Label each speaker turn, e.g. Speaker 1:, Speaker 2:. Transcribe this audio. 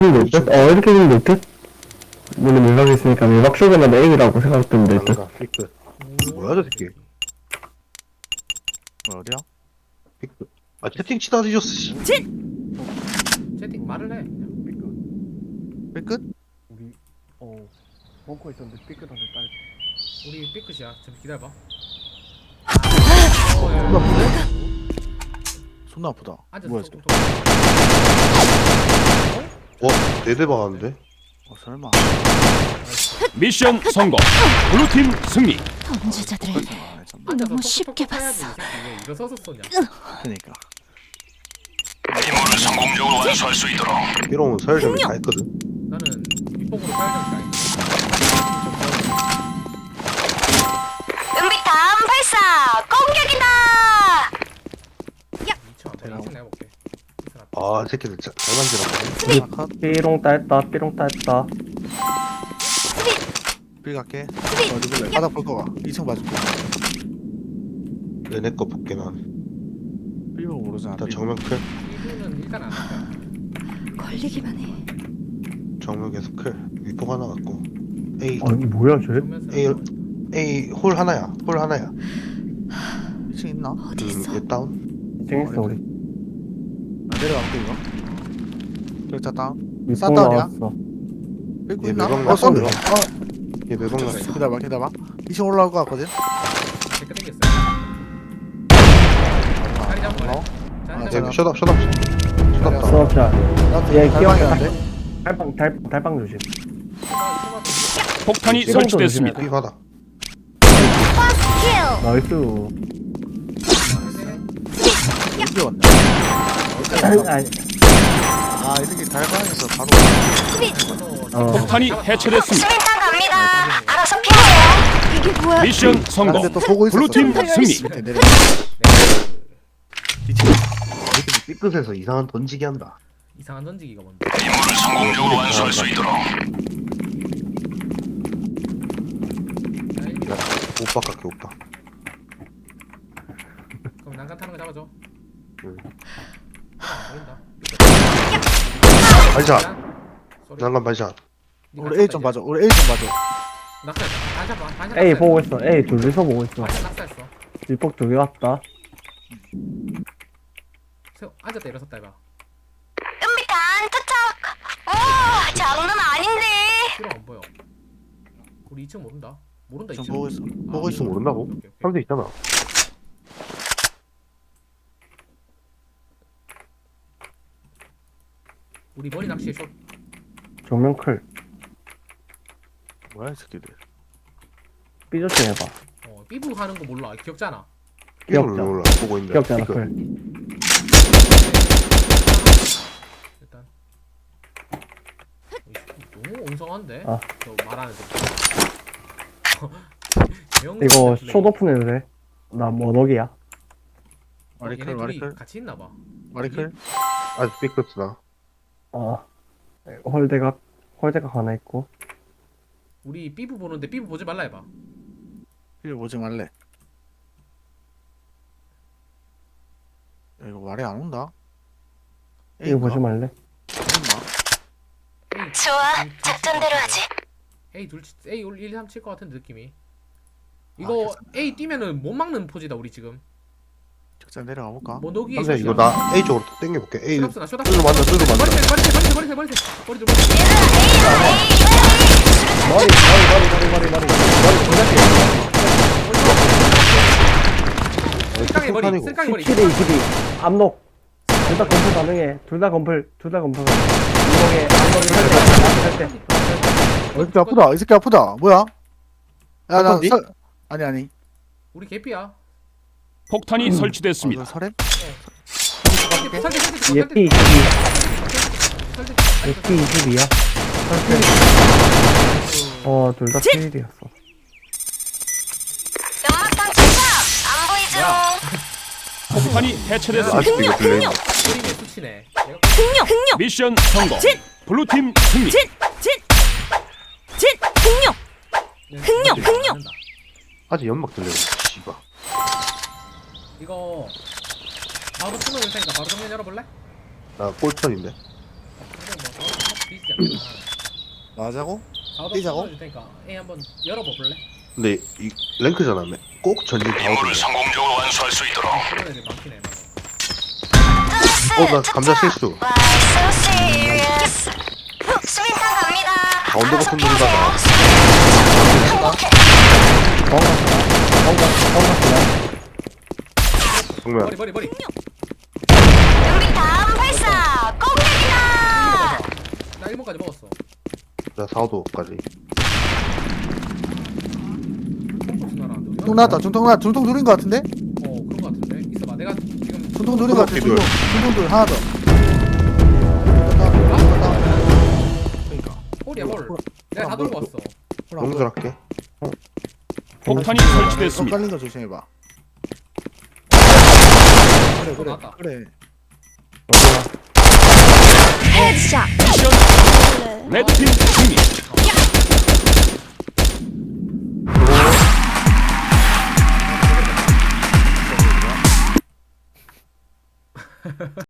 Speaker 1: 될 듯? 이렇게 되면 될 듯? 물론 밀박이 있으니까 밀박 쇼그는 A라고 생각되면 될 듯?
Speaker 2: 난가 삐끗. 뭐야 저 새끼.
Speaker 3: 어디야?
Speaker 2: 삐끗. 아 채팅 치다 뒤졌어 씨.
Speaker 4: 채팅 말을 해 그냥.
Speaker 3: 삐끗?
Speaker 1: 우리 벙커 있었는데 삐끗한데 딸
Speaker 4: 우리 삐끗이야. 잠시 기다려봐.
Speaker 3: 존나 아프네? 존나 아프다.
Speaker 4: 앉아서
Speaker 3: 뭐야
Speaker 4: 톡톡톡.
Speaker 2: 네대 박았는데.
Speaker 3: 설마.
Speaker 5: 미션 성공. 블루팀 승리.
Speaker 6: 범죄자들을
Speaker 4: 앉아서
Speaker 6: 너무
Speaker 4: 톡톡톡
Speaker 6: 쉽게
Speaker 4: 해야지,
Speaker 6: 봤어.
Speaker 4: 이 새끼 왜 일어서서 쏘냐.
Speaker 3: 그니까.
Speaker 5: 임무를 성공적으로 완수할 수 있도록.
Speaker 2: 이러면 서열점이 다 했거든.
Speaker 4: 나는 윗봉으로 사회적 가야
Speaker 6: 은비탄 발사! 공격이다!
Speaker 4: 미쳐. 내가 이승 내볼게. 이승 앞에.
Speaker 2: 아 새끼들 잘 만지라고.
Speaker 3: 하나 컷.
Speaker 1: 삐롱 따했다 삐롱 따했다
Speaker 3: 삐 갈게. 어디 볼래? 바닥 볼 거가. 2층 봐줄게.
Speaker 2: 얘네 거 볼게 난.
Speaker 3: 삐고 모르잖아.
Speaker 2: 일단 정면 클.
Speaker 4: 이분은 일단 안 할까.
Speaker 6: 걸리기만 해.
Speaker 2: 정면 계속 클. 위폭 하나 갖고. A
Speaker 1: 아니 뭐야 쟤?
Speaker 2: A 홀 하나야. 홀 하나야.
Speaker 3: 2층 있나?
Speaker 6: 어디 있어?
Speaker 2: 얘 다운.
Speaker 1: 쟁했어 우리
Speaker 3: 내려갈게 이거. 격자 다운.
Speaker 1: 윗봉
Speaker 3: 싼다운이야?
Speaker 1: 나왔어
Speaker 3: 삐고
Speaker 2: 얘
Speaker 3: 있나?
Speaker 2: 매방
Speaker 3: 쏜다.
Speaker 2: 났어. 얘 매방 났어.
Speaker 3: 기다려봐 기다려봐. 2층 올라올 것 같거든?
Speaker 4: 제가 땡겼어요. 자리 잡고
Speaker 3: 어?
Speaker 4: 자리
Speaker 3: 아,
Speaker 4: 잡고.
Speaker 2: 얘 셧업 셧업. 셧업 다운.
Speaker 1: 수업자
Speaker 3: 나한테
Speaker 1: 얘
Speaker 3: 달방이었는데?
Speaker 1: 달빵 조심
Speaker 5: 폭탄이
Speaker 1: 이런
Speaker 5: 설치됐습니다.
Speaker 2: B 받아.
Speaker 1: 나이스
Speaker 3: 여기 왔네.
Speaker 1: 아니
Speaker 3: 아, 이 새끼 달방에서 바로.
Speaker 5: 폭탄이 해체됐습니다.
Speaker 6: 수민탄 갑니다. 알아서 피하세요. 이게 뭐야?
Speaker 5: 미션
Speaker 3: 아,
Speaker 5: 성공.
Speaker 3: 근데 또 보고 있었어.
Speaker 5: 블루팀 승리.
Speaker 3: 밑에 내려.
Speaker 2: 새끼들 삐끗해서 이상한 던지기 한다.
Speaker 4: 이상한 던지기가 뭔데?
Speaker 5: 임무를 성공적으로 완수할 수 있도록.
Speaker 2: 야, 오빠 깎게 오빠.
Speaker 4: 그럼 난간 타는 거 잡아줘.
Speaker 2: 응.
Speaker 4: 보인다.
Speaker 2: 반샷. 난간 반샷.
Speaker 3: 우리 A 좀 봐줘. 우리 A 좀 봐줘.
Speaker 4: 낙사. 반샷 봐. 반샷.
Speaker 1: A
Speaker 4: 낙사했어.
Speaker 1: 보고 있어 A 둘이서 보고 있어
Speaker 4: 반샷 낙사했어.
Speaker 1: 윗폭 두 개 왔다
Speaker 4: 세워. 앉았다 일어섰다 해봐.
Speaker 6: 은비탄 투척! 오, 장난 아닌데.
Speaker 4: 필요 안 보여. 우리 2층 모른다. 모른다
Speaker 3: 좀
Speaker 4: 2층.
Speaker 3: 보고 있어.
Speaker 4: 아,
Speaker 3: 보고 있어.
Speaker 2: 모른다고?
Speaker 4: 오케이, 오케이.
Speaker 2: 사람들 있잖아.
Speaker 4: 우리 머리 낚시에 숏.
Speaker 1: 정면 클
Speaker 3: 뭐야, 이 새끼들.
Speaker 1: 삐조심 해봐
Speaker 4: 삐부 하는 거 몰라. 기억잖아.
Speaker 2: 이걸
Speaker 1: 기억자.
Speaker 2: 몰라. 보고 있는데.
Speaker 1: 기억잖아
Speaker 2: 삐끗.
Speaker 1: 클
Speaker 4: 일단. 너무 엉성한데?
Speaker 1: 아.
Speaker 4: 저 말하는 거.
Speaker 1: 이거 숏 오픈해도 돼? 나 머너기야
Speaker 3: 마리클,
Speaker 4: 얘네 둘이
Speaker 3: 마리클.
Speaker 4: 같이 있나 봐.
Speaker 3: 마리클.
Speaker 2: 아직 삐끗이다.
Speaker 1: 홀대각 하나 있고
Speaker 4: 우리 삐부 보는데 삐부 보지 말라 해봐.
Speaker 3: 이거 보지 말래. 야, 이거 말이 안 온다.
Speaker 1: 이거 보지 말래?
Speaker 4: A
Speaker 6: 좋아, 작전대로 하지.
Speaker 4: A 둘 A 1, 3 칠 것 같은 느낌이. 이거 A 뛰면은 못 막는 포지다 우리 지금.
Speaker 3: 적자 내려가 볼까?
Speaker 4: 뭐 너기에
Speaker 2: 삼세 이거 나 A 쪽으로 또 당겨볼게. A
Speaker 4: 쇼답스나 쇼답.
Speaker 2: 뚫어 만져 뚫어 만져.
Speaker 4: 머리 쓸깡이 머리
Speaker 2: 폭탄이고.
Speaker 4: 쓸깡이 머리
Speaker 1: 17에 22 압록 둘 다 건플 가능해 둘 다 건플 이동에 압록이 할때
Speaker 3: 이 새끼 아프다. 이 새끼 아프다. 뭐야? 야, 나
Speaker 2: 아픈디?
Speaker 3: 아니.
Speaker 4: 우리 개피야.
Speaker 5: 폭탄이 설치됐습니다.
Speaker 3: 설렘?
Speaker 1: 예삐 22 예삐 22야 둘 다 필이었어
Speaker 6: 연막탄 투척! 안 보이죠?
Speaker 5: 폭탄이 해체됐습니다.
Speaker 2: 아직도 이거 들려.
Speaker 4: 그림에 수치네.
Speaker 6: 흥룡! 흥룡!
Speaker 5: 미션 성공. 블루팀 승리.
Speaker 6: 흥룡!
Speaker 2: 아직 연막 들려. 씨발.
Speaker 4: 이거 바로 수능 일 테니까 바로 정면 열어볼래?
Speaker 2: 나 꼴턴인데.
Speaker 4: 그래 뭐 뒤지지 않겠나.
Speaker 3: 나자고?
Speaker 4: 사오도
Speaker 3: 뛰자고?
Speaker 4: 줄 테니까 A 한번 열어봐 볼래?
Speaker 2: 근데 이 랭크잖아. 꼭 전진 다 오던데.
Speaker 5: 성공적으로 완수할 수 있도록.
Speaker 4: 그런 애들 많긴 해.
Speaker 2: 나 감자 실수.
Speaker 6: Why so serious? 수빈탄 갑니다.
Speaker 2: 가운데 버튼 누르다가. 정면.
Speaker 4: 머리.
Speaker 6: 은비탄 발사. 공격이다.
Speaker 4: 나 1번까지 먹었어.
Speaker 2: 나 4호도까지.
Speaker 3: 중통 나왔다. 중통 둘인 거 같은데?
Speaker 4: 그런 거 같은데. 있어봐. 내가 지금
Speaker 3: 중통 둘인 거 같아.
Speaker 2: 둘.
Speaker 3: 중통 둘 하나 더.
Speaker 4: 홀이야 홀. 내가 다 돌고 왔어.
Speaker 2: 용전할게.
Speaker 5: 폭탄이 설치됐습니다.
Speaker 3: 깔린 거 조심해봐. 그래
Speaker 4: 나왔다.
Speaker 3: 그래.
Speaker 6: 헤드샷.
Speaker 5: 미션 레드팀 승리.